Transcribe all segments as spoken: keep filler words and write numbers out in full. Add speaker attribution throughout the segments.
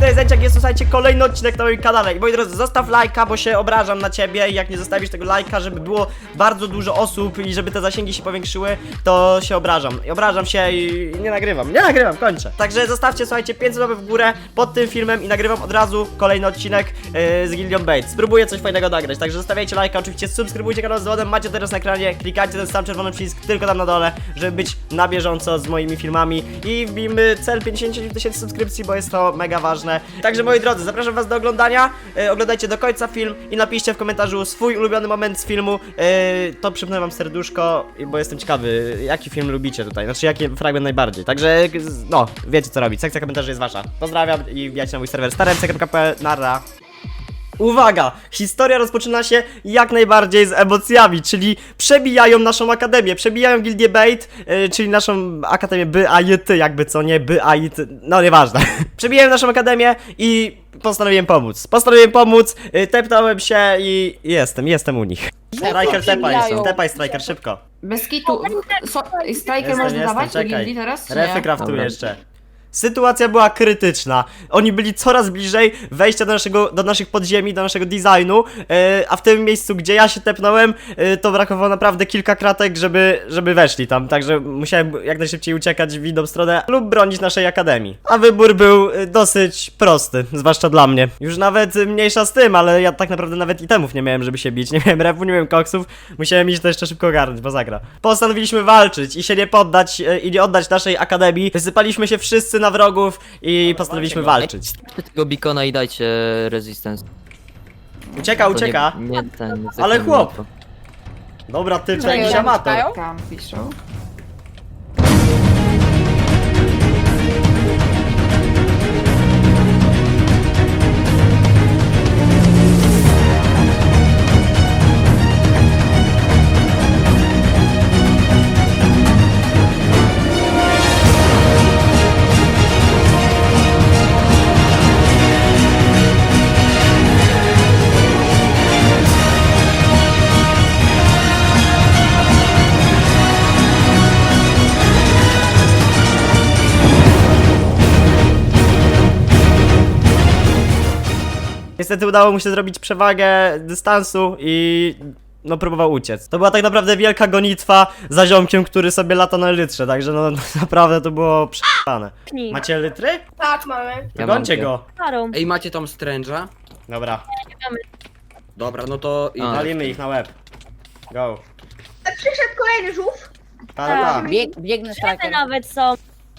Speaker 1: to jest Zęciak, jest to, słuchajcie, kolejny odcinek na moim kanale. I moi drodzy, zostaw lajka, bo się obrażam na ciebie i jak nie zostawisz tego lajka, żeby było bardzo dużo osób i żeby te zasięgi się powiększyły, to się obrażam. I obrażam się i nie nagrywam, nie nagrywam, kończę. Także zostawcie, słuchajcie, pięćset łapek w górę pod tym filmem i nagrywam od razu kolejny odcinek yy, z Gildią Bait. Spróbuję coś fajnego nagrać, także zostawiajcie lajka, oczywiście subskrybujcie kanał z dzwonem, macie teraz na ekranie, klikajcie ten sam czerwony przycisk tylko tam na dole, żeby być na bieżąco z moimi filmami i wbijmy cel pięćdziesiąt tysięcy subskrypcji, bo jest to mega ważne. Także moi drodzy, zapraszam was do oglądania, yy, oglądajcie do końca film i napiszcie w komentarzu swój ulubiony moment z filmu, yy, to przypnę wam serduszko, bo jestem ciekawy, jaki film lubicie tutaj, znaczy jaki fragment najbardziej, także no, wiecie co robić, sekcja komentarzy jest wasza. Pozdrawiam i wbijajcie na mój serwer staremce kropka p l, narra. Uwaga! Historia rozpoczyna się jak najbardziej z emocjami, czyli przebijają naszą akademię, przebijają Gildię Bait, yy, czyli naszą akademię B A J T, jakby co nie, B A J T, no nieważne. Przebijają naszą akademię i postanowiłem pomóc. Postanowiłem pomóc, yy, tepnąłem się i jestem, jestem u nich. Striker, tepaj, tepaj Striker, szybko.
Speaker 2: Bez kitu. So, striker
Speaker 1: Jestem,
Speaker 2: można
Speaker 1: jestem,
Speaker 2: dawać do
Speaker 1: czekaj.
Speaker 2: gildii teraz? Czy
Speaker 1: Refy
Speaker 2: nie?
Speaker 1: craftuję
Speaker 3: Dobra.
Speaker 1: jeszcze. Sytuacja była krytyczna. Oni byli coraz bliżej wejścia do naszego, do naszych podziemi, do naszego designu, yy, a w tym miejscu, gdzie ja się tepnąłem, yy, to brakowało naprawdę kilka kratek, żeby, żeby weszli tam. Także musiałem jak najszybciej uciekać w inną stronę lub bronić naszej akademii. A wybór był yy, dosyć prosty, zwłaszcza dla mnie. Już nawet yy, mniejsza z tym, ale ja tak naprawdę nawet itemów nie miałem, żeby się bić. Nie miałem refu, nie miałem koksów. Musiałem iść to jeszcze szybko ogarnąć, bo zagra. Postanowiliśmy walczyć i się nie poddać yy, i nie oddać naszej akademii. Wysypaliśmy się wszyscy na wrogów i postanowiliśmy walczyć.
Speaker 3: Weźcie tego beacona i dajcie resistance.
Speaker 1: Ucieka,
Speaker 3: To
Speaker 1: ucieka.
Speaker 3: Nie, nie ten, nie
Speaker 1: Ale
Speaker 3: taki
Speaker 1: chłop.
Speaker 3: to.
Speaker 1: Dobra, ty, to
Speaker 2: Czekaj,
Speaker 1: jakiś
Speaker 2: ja
Speaker 1: amator.
Speaker 2: czekają? Tam piszą.
Speaker 1: Niestety udało mu się zrobić przewagę dystansu i no próbował uciec. To była tak naprawdę wielka gonitwa za ziomkiem, który sobie lata na litrze, także no naprawdę to było prze***ane.
Speaker 4: Pnij.
Speaker 1: Macie litry?
Speaker 5: Tak, mamy.
Speaker 3: Ja
Speaker 1: Gońcie
Speaker 3: mam
Speaker 1: go.
Speaker 4: Parą.
Speaker 6: Ej, macie tam stręża?
Speaker 1: Dobra,
Speaker 6: Dobra, no to...
Speaker 3: A.
Speaker 1: walimy ich na łeb. Go.
Speaker 5: Przyszedł kolejny żółw.
Speaker 1: Ta, ta, ta.
Speaker 7: Bieg, biegnę
Speaker 4: Szefy
Speaker 7: striker.
Speaker 4: nawet są.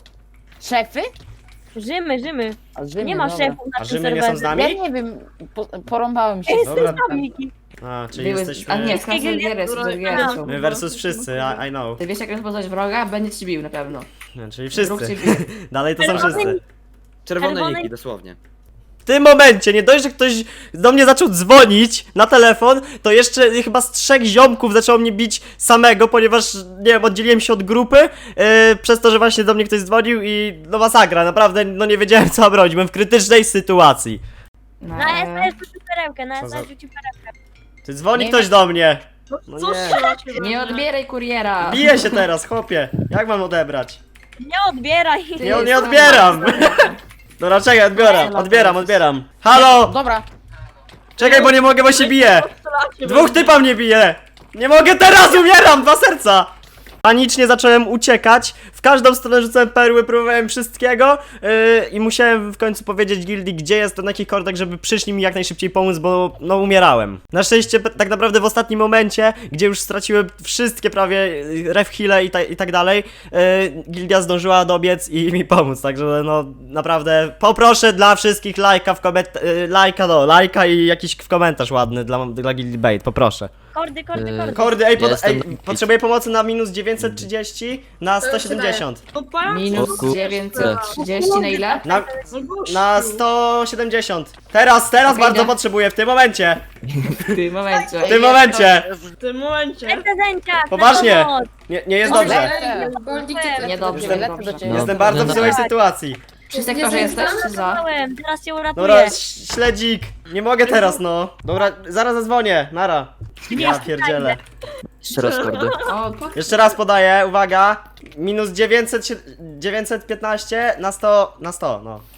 Speaker 7: Szefy?
Speaker 4: Rzymy, Rzymy.
Speaker 7: A Rzymy,
Speaker 4: Nie ma
Speaker 7: dobra.
Speaker 4: szefów na
Speaker 1: A
Speaker 4: tym
Speaker 1: Rzymy nie są z
Speaker 4: serwerze.
Speaker 1: nami?
Speaker 7: Ja nie wiem, po, porąbałem się.
Speaker 4: Jestem
Speaker 1: Dobra.
Speaker 4: z nami.
Speaker 1: A, czyli
Speaker 2: Były,
Speaker 1: jesteśmy...
Speaker 2: a nie, z każdej giery, z każdej giery są.
Speaker 1: My versus wszyscy, I, I know.
Speaker 2: Ty wiesz jak rozpoznać wroga? Będzie ci bił na pewno.
Speaker 1: No, czyli
Speaker 2: Wróg
Speaker 1: wszyscy.
Speaker 2: cię bije.
Speaker 1: Dalej to są wszyscy.
Speaker 6: Czerwone
Speaker 4: Czerwone-
Speaker 6: niki, dosłownie.
Speaker 1: W tym momencie, nie dość, że ktoś do mnie zaczął dzwonić na telefon, to jeszcze chyba z trzech ziomków zaczęło mnie bić samego, ponieważ, nie wiem, oddzieliłem się od grupy, yy, przez to, że właśnie do mnie ktoś dzwonił i no masakra, naprawdę, no nie wiedziałem co mam robić, byłem w krytycznej sytuacji.
Speaker 2: No,
Speaker 4: Na S S rzucił perełkę, na
Speaker 1: Co
Speaker 4: S
Speaker 1: za-
Speaker 4: S rzucił perełkę.
Speaker 1: Ty dzwoni
Speaker 7: Nie
Speaker 1: ktoś
Speaker 7: wiem.
Speaker 1: do mnie. No
Speaker 5: Co
Speaker 1: nie.
Speaker 5: strzelacie?
Speaker 2: nie odbieraj kuriera.
Speaker 1: Biję się teraz, chłopie. Jak mam odebrać?
Speaker 4: Nie odbieraj.
Speaker 2: Ty
Speaker 1: Nie,
Speaker 2: jest
Speaker 1: nie
Speaker 2: sama.
Speaker 1: odbieram. Dobra, czekaj, odbieram, odbieram, odbieram. Halo!
Speaker 7: Dobra,
Speaker 1: Czekaj, bo nie mogę, bo się bije. Dwóch typa mnie bije! Nie mogę teraz, umieram! Dwa serca! Panicznie zacząłem uciekać, w każdą stronę rzucałem perły, próbowałem wszystkiego yy, i musiałem w końcu powiedzieć gildii, gdzie jestem, na jakich kordach, żeby przyszli mi jak najszybciej pomóc, bo no umierałem. Na szczęście p- tak naprawdę w ostatnim momencie, gdzie już straciłem wszystkie prawie yy, ref heale i, ta, i tak dalej, yy, gildia zdążyła dobiec i mi pomóc, także no naprawdę poproszę dla wszystkich lajka w koment... Yy, lajka, no, lajka i jakiś w komentarz ładny dla, dla Gildii Bait, poproszę.
Speaker 4: Kordy, kordy,
Speaker 3: Yy,
Speaker 4: kordy.
Speaker 1: Kordy, ej, pod,
Speaker 3: Jestem
Speaker 1: ej
Speaker 3: na-
Speaker 1: potrzebuję pomocy na minus dziewięćset trzydzieści na sto siedemdziesiąt.
Speaker 2: Minus
Speaker 3: O kur-
Speaker 2: dziewięćset trzydzieści na ile?
Speaker 1: Na, na sto siedemdziesiąt. Teraz, teraz
Speaker 2: Okej,
Speaker 1: bardzo
Speaker 2: idę.
Speaker 1: potrzebuję, w tym momencie.
Speaker 2: W tym momencie.
Speaker 1: W tym momencie.
Speaker 5: W tym momencie.
Speaker 4: Lecę zęciak,
Speaker 1: Poważnie.
Speaker 4: na pomoc.
Speaker 1: Nie, nie jest
Speaker 7: Dobrze.
Speaker 1: dobrze.
Speaker 2: Niedobrze,
Speaker 7: Lecę
Speaker 2: niedobrze.
Speaker 7: do ciebie.
Speaker 1: Jestem
Speaker 3: No,
Speaker 1: bardzo w
Speaker 3: no
Speaker 1: złej
Speaker 4: tak.
Speaker 1: sytuacji.
Speaker 2: Przy sektorze jesteś, czy za?
Speaker 4: Załałem, teraz cię uratuję.
Speaker 1: Dobra, ś- śledzik. Nie mogę teraz, no. Dobra, zaraz zadzwonię. Nara. Ja pierdzielę.
Speaker 3: Jeszcze raz kordy.
Speaker 2: O, po...
Speaker 1: Jeszcze raz podaję, uwaga. Minus dziewięćset, dziewięćset piętnaście na sto, na sto, no.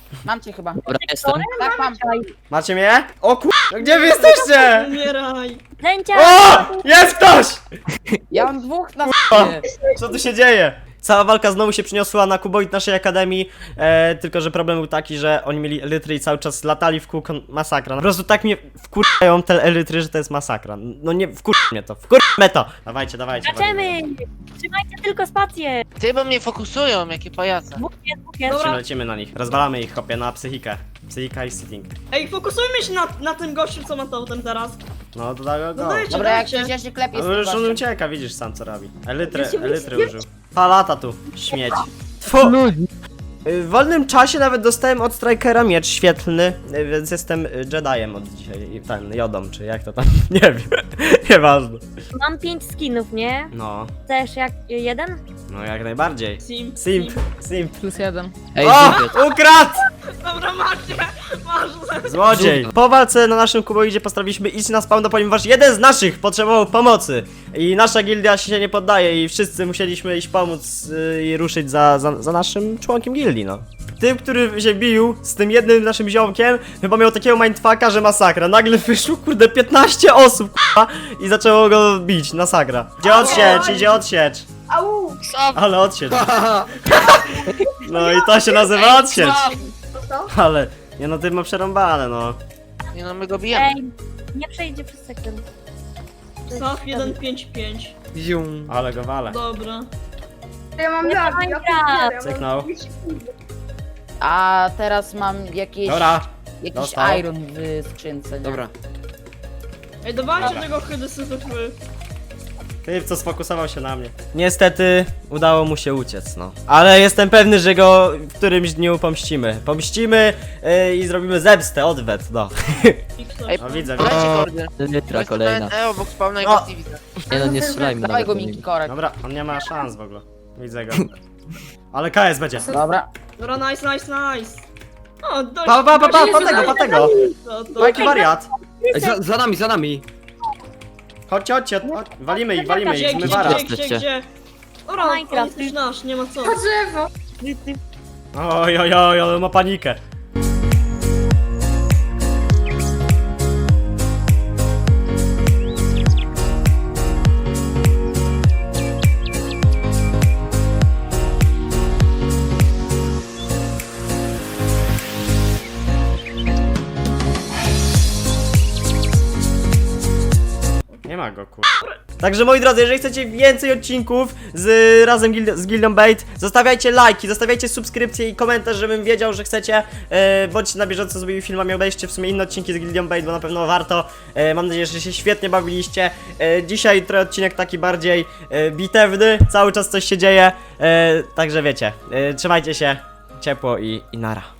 Speaker 7: Mam cię chyba.
Speaker 3: Dobra, jestem.
Speaker 7: Tak, mam.
Speaker 1: Macie mnie? O kur... Gdzie wy jesteście?
Speaker 5: Umieraj.
Speaker 4: Zęcia!
Speaker 1: O! Jest ktoś!
Speaker 7: Ja mam dwóch na
Speaker 1: O!
Speaker 7: sobie.
Speaker 1: Co tu się dzieje? Cała walka znowu się przyniosła na kuboid naszej akademii, e, tylko że problem był taki, że oni mieli elytry i cały czas latali w kółko, masakra. Po prostu tak mnie wkurzają te elytry, że to jest masakra. No nie, wkur mnie to, wkur mnie to! Dawajcie, dawajcie.
Speaker 4: Skaczemy! Trzymajcie tylko spację!
Speaker 8: Ty, bo mnie fokusują, jakie pajace.
Speaker 4: Dwóch jest, dwóch jest.
Speaker 5: Dobra.
Speaker 1: Lecimy na nich, rozwalamy ich, hopie, na psychikę. Psychika i sitting.
Speaker 5: Ej, fokusujmy się na, na tym gościu, co ma totem teraz.
Speaker 1: No to da go.
Speaker 5: No dajcie,
Speaker 7: Dobra, jak
Speaker 5: dajcie.
Speaker 7: coś ja się klepię z
Speaker 1: No
Speaker 7: tym
Speaker 1: już on
Speaker 7: gościem.
Speaker 1: ucieka, widzisz sam co robi. Elytry,
Speaker 5: Ja się
Speaker 1: elytry
Speaker 5: nie-
Speaker 1: użył. Pa lata tu, śmieć. Tfu! Y, W wolnym czasie nawet dostałem od Strikera miecz świetlny, y, więc jestem y, Jediem od dzisiaj. I ten, Jodą, czy jak to tam, nie wiem. Nieważne.
Speaker 4: Mam pięć skinów, nie?
Speaker 1: No,
Speaker 4: Chcesz jak jeden?
Speaker 1: no jak najbardziej.
Speaker 5: Sim,
Speaker 1: Simp, simp.
Speaker 2: Plus jeden.
Speaker 3: Ej,
Speaker 1: O!
Speaker 3: Zubie,
Speaker 1: Ukradł!
Speaker 5: Dobra, macie, masz.
Speaker 1: Złodziej! Po walce na naszym kuboidzie postanowiliśmy iść na spawn, ponieważ jeden z naszych potrzebował pomocy. I nasza gildia się nie poddaje i wszyscy musieliśmy iść pomóc yy, i ruszyć za, za, za naszym członkiem gildii, no. Tym, który się bił z tym jednym naszym ziomkiem, chyba miał takiego mindfucka, że masakra. Nagle wyszło, kurde, piętnaście osób, k***a, i zaczęło go bić, masakra. Idzie odsiecz, idzie odsiecz.
Speaker 5: Au!
Speaker 8: Co?
Speaker 1: Ale odsiecz. No i to się nazywa odsiecz.
Speaker 5: Co?
Speaker 1: Ale, nie no, ty ma przerąbane, no.
Speaker 8: Nie no, my go bijemy.
Speaker 4: Ej, nie przejdzie przez sekund.
Speaker 5: Saf jeden pięć pięć.
Speaker 6: Zium.
Speaker 1: Ale go wale.
Speaker 5: Dobra. Ja mam
Speaker 4: Nie
Speaker 5: lag, ja
Speaker 4: Minecraft.
Speaker 5: pierdzielę, ja mam
Speaker 1: Cyknął.
Speaker 5: dwieście sekund.
Speaker 7: A teraz mam jakieś,
Speaker 1: Dobra,
Speaker 7: jakiś
Speaker 1: dostał.
Speaker 7: iron w skrzynce. Nie?
Speaker 6: Dobra.
Speaker 5: Ej, dawajcie
Speaker 1: Dobra.
Speaker 5: tego chydy syfy.
Speaker 1: ty co sfokusował się na mnie. Niestety udało mu się uciec, no. Ale jestem pewny, że go w którymś dniu pomścimy. Pomścimy yy, i zrobimy zemstę, odwet, no.
Speaker 8: Ej,
Speaker 1: No widzę,
Speaker 8: Leci
Speaker 1: widzę.
Speaker 8: kordy.
Speaker 3: Elytra kolejna.
Speaker 8: E, obok spawna i
Speaker 1: O!
Speaker 8: go nie widzę.
Speaker 3: Nie no, nie strzelajmy
Speaker 7: Dawaj
Speaker 3: nawet
Speaker 7: go
Speaker 3: do
Speaker 7: Miki
Speaker 3: niego.
Speaker 7: korek.
Speaker 1: Dobra, on nie ma szans w ogóle. Widzę go. Ale K S będzie.
Speaker 7: Dobra.
Speaker 5: Dobra, nice, nice, nice. O, dość.
Speaker 1: Pa, pa, pa, pa,
Speaker 5: dość-
Speaker 1: pa tego, pa tego.
Speaker 5: To, to.
Speaker 1: Jaki wariat.
Speaker 6: Ej, za, za nami, za nami.
Speaker 1: Chodźcie, chodźcie, chodź. Walimy ich, walimy
Speaker 5: Gdzie,
Speaker 1: ich,
Speaker 5: gdzie,
Speaker 1: zmywara.
Speaker 5: gdzie, gdzie, gdzie? Dobra, on
Speaker 4: Minecraft.
Speaker 5: jest nasz, nie ma co.
Speaker 1: Oj, oj, oj, ale ma panikę. Nie ma go, kur... Także moi drodzy, jeżeli chcecie więcej odcinków z razem gil z Gildią Bait, zostawiajcie lajki, zostawiajcie subskrypcje i komentarz, żebym wiedział, że chcecie. E, bądźcie na bieżąco z moimi filmami, obejrzcie w sumie inne odcinki z Gildią Bait, bo na pewno warto. E, mam nadzieję, że się świetnie bawiliście. E, dzisiaj trochę odcinek taki bardziej e, bitewny, cały czas coś się dzieje. E, także wiecie, e, trzymajcie się ciepło i, i nara.